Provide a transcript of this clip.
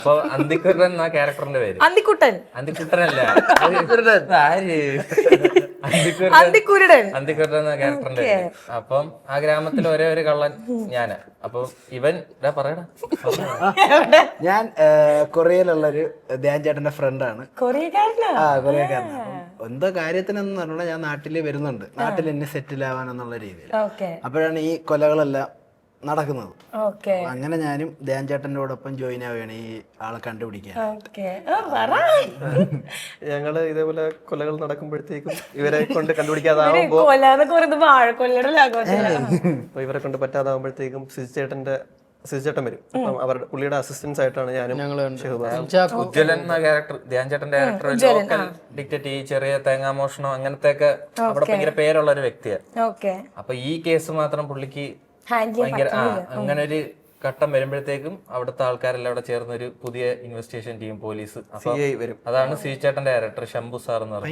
അപ്പൊ അന്തിക്കുട്ടൻ എന്ന ക്യാരക്ടറിന്റെ പേര് അന്തിക്കുട്ടനല്ല, ആര് അന്തിക്കുരുടൻ എന്ന ക്യാരക്ടറിന്റെ പേര്. അപ്പം ആ ഗ്രാമത്തിൽ ഒരേ ഒരു കള്ളൻ ഞാന്. അപ്പം ഇവൻ പറയടാ, ഞാൻ കൊറിയയിലുള്ളൊരു ധ്യാൻ ചേട്ടന്റെ ഫ്രണ്ടാണ്. കൊറിയക്കാരനാണ്. എന്തോ കാര്യത്തിനെന്ന് പറഞ്ഞാൽ ഞാൻ നാട്ടിൽ വരുന്നുണ്ട്, നാട്ടിൽ എന്നെ സെറ്റിൽ ആവാനെന്നുള്ള രീതിയിൽ. അപ്പോഴാണ് ഈ കൊലകളെല്ലാം നടക്കുന്നത്. അങ്ങനെ ഞാനും ധ്യാൻ ചേട്ടൻ്റെ കൂടൊപ്പം ജോയിൻ ആവുകയാണ് ഈ ആളെ കണ്ടുപിടിക്കാൻ. ഞങ്ങള് ഇതേപോലെ കൊലകൾ നടക്കുമ്പോഴത്തേക്കും ഇവരെ കൊണ്ട് കണ്ടുപിടിക്കാതാവുമ്പോ ഇവരെ കൊണ്ട് പറ്റാതാവുമ്പോഴത്തേക്കും സിജിച്ചേട്ടൻ വരും. അപ്പം അവരുടെ പുള്ളിയുടെ അസിസ്റ്റൻസ് ആയിട്ടാണ് ഞാനും ഉജ്ജ്വലൻ എന്ന ക്യാരക്ടർ, ധ്യാൻ ചേട്ടന്റെ ക്യാരക്ടർ ലോക്കൽ ഡിക്റ്റേറ്റ്, ഈ ചെറിയ തേങ്ങാമോഷണം അങ്ങനത്തെ ഒക്കെ അവിടെ ഭയങ്കര പേരുള്ള ഒരു വ്യക്തിയാണ്. അപ്പൊ ഈ കേസ് മാത്രം പുള്ളിക്ക് ഭയങ്കര അങ്ങനെ ഒരു ഘട്ടം വരുമ്പോഴത്തേക്കും അവിടുത്തെ ആൾക്കാരെല്ലാം അവിടെ ചേർന്നൊരു പുതിയ ഇൻവെസ്റ്റിഗേഷൻ ടീം, പോലീസ്, അതാണ് സിജിച്ചേട്ടന്റെ ക്യാരക്ടർ ശംഭു സാർ എന്ന് പറയുന്നത്.